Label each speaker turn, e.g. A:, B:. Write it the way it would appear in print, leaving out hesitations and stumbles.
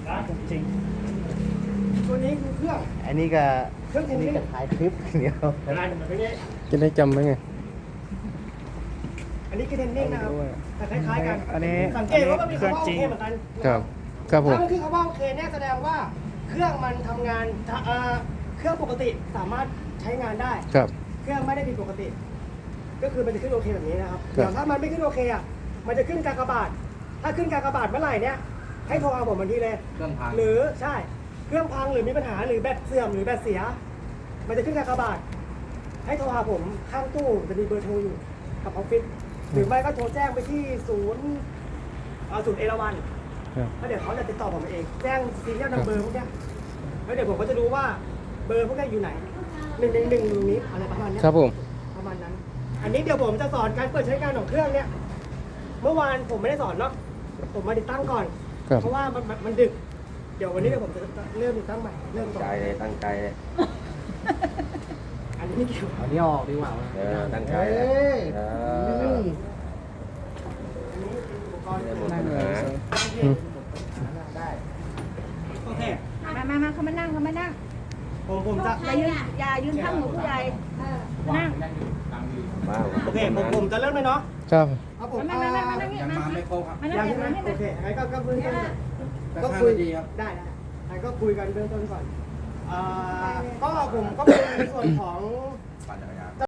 A: จริง
B: ตัวนี้คือเครื่อง
A: อันนี้ก็
B: เครื่อง
A: อันนี้ก็ถ่ายคลิปเดียว
B: อะไรเหมือนไม่ได้
C: จะได้จำไว้ไง
B: อันนี้คือเทนนิ่งนะครับแต่คล้ายๆกัน
A: อันนี้
B: สังเกตว่ามันมีคำว่าโอเคเหมือนกัน
C: ครับครับผม
B: ถ้ามันคือคำว่าโอเคเนี่ยแสดงว่าเครื่องมันทำงานเครื่องปกติสามารถใช้งานได้
C: ครับ
B: เครื่องไม่ได้ผิดปกติ ก็คือมันจะขึ้นโอเคแบบนี้นะครับ
C: ครับ
B: แต่ถ้ามันไม่ขึ้นโอเคอ่ะมันจะขึ้นกากบาทถ้าขึ้นกากบาทเมื่อไหร่เนี่ยให้โทรเอาผมทันทีเลย
D: เครื่องพัง
B: หรือใช่เครื่องพังหรือมีปัญหาหรือแบตเสื่อมหรือแบตเสีย มันจะขึ้นกากบาทให้โทรหาผมข้างตู้จะมีเบอร์โทรอยู่กับออฟฟิศหรือไม่ก็โทรแจ้งไปที่ศูนย์เอราวัณ
C: ครับ
B: แล้วเดี๋ยวเขาจะติดต่อผมเองแจ้งซีเรียลนัมเบอร์พวกเนี้ยแล้วเดี๋ยวผมก็จะรู้ว่าเบอร์พวกเนี้ยอยู่ไหน111ตรงนี้อะไรประมาณเนี้ย
C: ครับผม
B: ประมาณนั้น อันนี้เดี๋ยวผมจะสอนการเปิดใช้งานของเครื่องเนี่ยเมื่อวานผมไม่ได้สอนเนาะผมมาติดตั้งก่อน
C: ครับ
B: เพราะว่ามันดึก เดี๋ยววันนี้เดี๋ยวผมจะเริ่มติดตั้งใหม่เริ่มสอน
D: ใจเลยตั้งใจเลย
B: อันนี้ไม่เกี่ยว
A: เอานี้ออกดีกว่า
D: ตั้งใจ
A: เฮ้
D: เลย
A: ย
B: อันนี้อุปกรณ์
A: นั่งเลย
B: ได้โอเค
E: มาเขามานั่งเขามานั่ง
B: ผมจะ
E: อย่ายืนข้างหนูผู้ใหญ่นั่ง
D: ว้าว
B: โอเคผมจะเริ่มเลยเนาะ
C: ครับ
B: ครับผม
E: มานั่งนี่
D: ยัง
E: มา
D: มาไม่ครบครับ
E: มา
B: ยั
E: นั่
B: ง
E: ง
B: ใช่ไหม
E: นี่
B: โอเคงั้นก็คุยกัน
D: ก็คุยดีครับ
B: ได้งั้นก็คุยกันเบื้องต้นก่อนก็ผมก็เป็นในส่วนของ
D: ปั่นจักรยาน